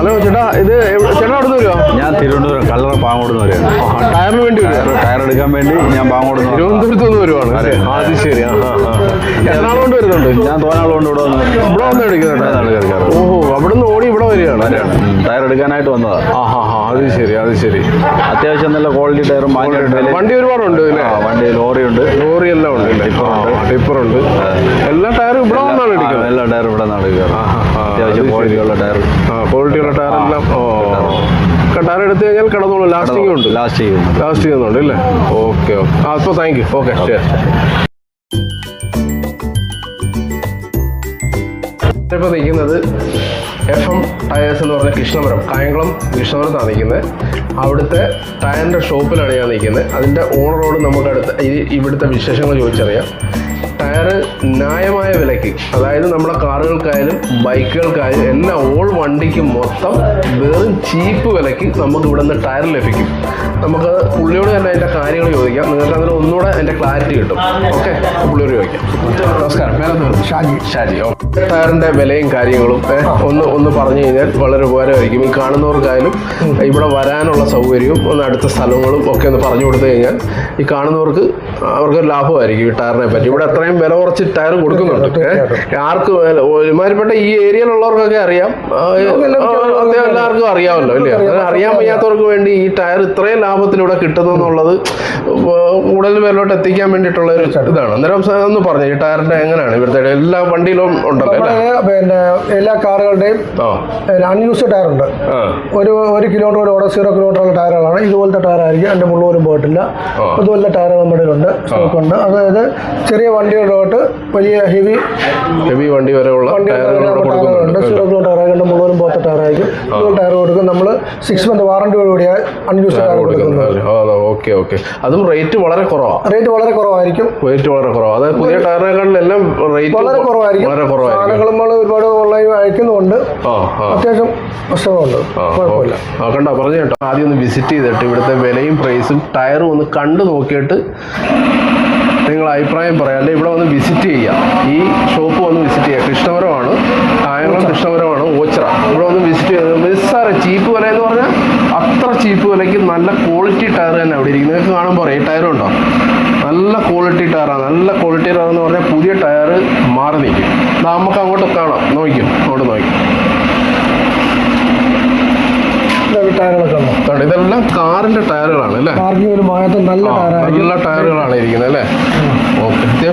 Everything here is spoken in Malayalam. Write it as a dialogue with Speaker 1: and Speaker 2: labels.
Speaker 1: ഹലോ ചേട്ടാ, ഇത് ചേട്ടാ അവിടെ നിന്ന് വരുമോ?
Speaker 2: ഞാൻ തിരുവനന്തപുരം കല്ലറ പാങ്ങോട് വരെയാണ്.
Speaker 1: ടയറിന് വേണ്ടി
Speaker 2: ടയർ എടുക്കാൻ വേണ്ടി ഞാൻ പാങ്ങോട്
Speaker 1: തിരുവനന്തപുരത്ത് നിന്ന് വരുവാണ്. അത് ശരി. എറണാകുളം കൊണ്ട് വരുന്നുണ്ട്.
Speaker 2: ഞാൻ തോനാൾ കൊണ്ട്
Speaker 1: ഇവിടെ വന്ന് എടുക്കുന്നുണ്ട്. ഓഹോ, അവിടെ നിന്ന് ഓടി ഇവിടെ വരികയാണ്.
Speaker 2: ടയർ എടുക്കാനായിട്ട് വന്നതാ.
Speaker 1: അത് ശരി, അത് ശരി.
Speaker 2: അത്യാവശ്യം നല്ല ക്വാളിറ്റി ടയറും
Speaker 1: വണ്ടി ഒരുപാടുണ്ട്.
Speaker 2: വണ്ടി ലോറിയുണ്ട്,
Speaker 1: ലോറി എല്ലാം ഉണ്ട്, ടിപ്പറുണ്ട്. എല്ലാ ടയറും ഇവിടെ വന്നാണ് എടുക്കുന്നത്.
Speaker 2: എല്ലാ ടയറും ഇവിടെ നിന്നാണ് എടുക്കുക. അത്യാവശ്യം ക്വാളിറ്റിയുള്ള ടയർ,
Speaker 1: ക്വാളിറ്റിയുള്ള ടയർ എല്ലാം. ടയർ എടുത്തു കഴിഞ്ഞാൽ കിടന്നോളൂ. ലാസ്റ്റ് ചെയ്യുന്നുണ്ട് അല്ലേ? ഓക്കെ. അപ്പോൾ താങ്ക് യു. ഓക്കെ, ശരി. ഇപ്പോൾ നിൽക്കുന്നത് FM ടയേഴ്സ് എന്ന് പറഞ്ഞ കൃഷ്ണപുരം, കായംകുളം കൃഷ്ണപുരത്താണ് നിൽക്കുന്നത്. അവിടുത്തെ ടയറിൻ്റെ ഷോപ്പിലാണ് ഞാൻ നിൽക്കുന്നത്. അതിൻ്റെ ഓണറോട് നമുക്ക് ഇവിടുത്തെ വിശേഷങ്ങൾ ചോദിച്ചറിയാം. ടയർ ന്യായമായ വിലയ്ക്ക്, അതായത് നമ്മുടെ കാറുകൾക്കായാലും ബൈക്കുകൾക്കായാലും എല്ലാം ഓൾ വണ്ടിക്ക് മൊത്തം വെറും ചീപ്പ് വിലയ്ക്ക് നമുക്ക് ഇവിടെ നിന്ന് ടയർ ലഭിക്കും. നമുക്ക് പുള്ളിയോട് തന്നെ അതിൻ്റെ കാര്യങ്ങൾ ചോദിക്കാം. നിങ്ങൾക്ക് അതിന് ഒന്നുകൂടെ അതിൻ്റെ ക്ലാരിറ്റി കിട്ടും. ഓക്കെ, പുള്ളിയോട് ചോദിക്കാം. നമസ്കാരം, ഷാജി. ടയറിൻ്റെ വിലയും കാര്യങ്ങളും ഒന്ന് പറഞ്ഞു കഴിഞ്ഞാൽ വളരെ ഉപകാരമായിരിക്കും. ഈ കാണുന്നവർക്കായാലും ഇവിടെ വരാനുള്ള സൗകര്യവും അടുത്ത സ്ഥലങ്ങളും ഒക്കെ ഒന്ന് പറഞ്ഞു കൊടുത്തു കഴിഞ്ഞാൽ ഈ കാണുന്നവർക്ക് അവർക്കൊരു ലാഭമായിരിക്കും ഈ ടയറിനെ പറ്റി. ഇവിടെ അത്രയും വില കുറച്ച് ടയർ കൊടുക്കുന്നുണ്ട്. ആർക്കും ഒരുമാതിരിപ്പെട്ട ഈ ഏരിയയിലുള്ളവർക്കൊക്കെ അറിയാം, എല്ലാവർക്കും അറിയാമല്ലോ അല്ലേ? അറിയാൻ വയ്യാത്തവർക്ക് വേണ്ടി ഈ ടയർ ഇത്രയും ലാഭത്തിലൂടെ കിട്ടുന്നു എന്നുള്ളത് കൂടുതൽ പേരിലോട്ട് എത്തിക്കാൻ വേണ്ടിയിട്ടുള്ള ഒരു ഇതാണ്. അന്നേരം ഒന്ന് പറഞ്ഞു, ഈ ടയറിന്റെ എങ്ങനെയാണ് ഇവിടുത്തെ എല്ലാ വണ്ടിയിലും ഉണ്ടല്ലോ?
Speaker 3: പിന്നെ എല്ലാ കാറുകളുടെയും അൺയൂസ്ഡ് ടയർ ഉണ്ട്. ഒരു കിലോമീറ്റർ ഓരോ 0 കിലോമീറ്ററുള്ള ടയറുകളാണ്. ഇതുപോലത്തെ ടയറായിരിക്കും, എൻ്റെ മുള്ളൂരും പോയിട്ടില്ല. അതുപോലത്തെ ടയറുകൾ നമ്മുടെ ഉണ്ട്, സ്റ്റോക്കുണ്ട്. അതായത് ചെറിയ വണ്ടികളിലോട്ട് വലിയ ഹെവി
Speaker 1: വണ്ടി വരെയുള്ള
Speaker 3: ടയറുകളുണ്ട്. 0 കിലോമീറ്റർ ടയറായിട്ട് മുള്ളൂരും പോലത്തെ ടയറായിരിക്കും. ഇതുപോലെ ടയർ കൊടുക്കും. നമ്മൾ 6 മന്ത് വാറണ്ടിയോടുകൂടിയാണ് അൺയൂസ്ഡ് ടയർ കൊടുക്കുന്നത്.
Speaker 1: ഓക്കെ. അതും റേറ്റ് വളരെ കുറവാണ്.
Speaker 3: കുറവായിരിക്കും.
Speaker 1: അതായത് പുതിയ ടയറിനെക്കാളും എല്ലാം റേറ്റ്
Speaker 3: വളരെ കുറവായിരിക്കും. സാധനങ്ങൾ ഒരുപാട് ഓൺലൈൻ അയക്കുന്നുണ്ട്. അത്യാവശ്യം പ്രശ്നങ്ങളുണ്ട്, കുഴപ്പമില്ല.
Speaker 1: കണ്ടോ, പറഞ്ഞു കേട്ടോ. ആദ്യം ഒന്ന് വിസിറ്റ് ചെയ്തിട്ട് ഇവിടുത്തെ വിലയും പ്രൈസും ടയറും ഒന്ന് കണ്ടു നോക്കിയിട്ട് നിങ്ങൾ അഭിപ്രായം പറയാം. അല്ലെങ്കിൽ ഇവിടെ വന്ന് വിസിറ്റ് ചെയ്യാം. ഈ ഷോപ്പ് വന്ന് വിസിറ്റ് ചെയ്യാം. കൃഷ്ണപുരമാണ്, കായംകുളം കൃഷ്ണപുരമാണ്, ഓച്ചിറ. ഇവിടെ വന്ന് വിസിറ്റ് ചെയ്ത് നിസ്സാര ചീപ്പ് വില എന്ന് പറഞ്ഞാൽ അത്ര ചീപ്പ് വിലയ്ക്ക് നല്ല ക്വാളിറ്റി ടയർ തന്നെ അവിടെ ഇരിക്കും. നിങ്ങൾക്ക് കാണുമ്പോൾ ഈ ടയറും ഉണ്ടോ, നല്ല ക്വാളിറ്റി ടയറാണ്. നല്ല ക്വാളിറ്റി ടയർ എന്ന് പറഞ്ഞാൽ പുതിയ ടയർ മാറി നിൽക്കും. നമുക്ക് അങ്ങോട്ട് കാണാം, നോക്കും, അങ്ങോട്ട് നോക്കും. ഇതെല്ലാം കാറിന്റെ ടയറുകളാണ് അല്ലേ?
Speaker 3: നല്ല ടയറുകളാണ്
Speaker 1: ഇരിക്കുന്നത് അല്ലേ? ഓക്കെ.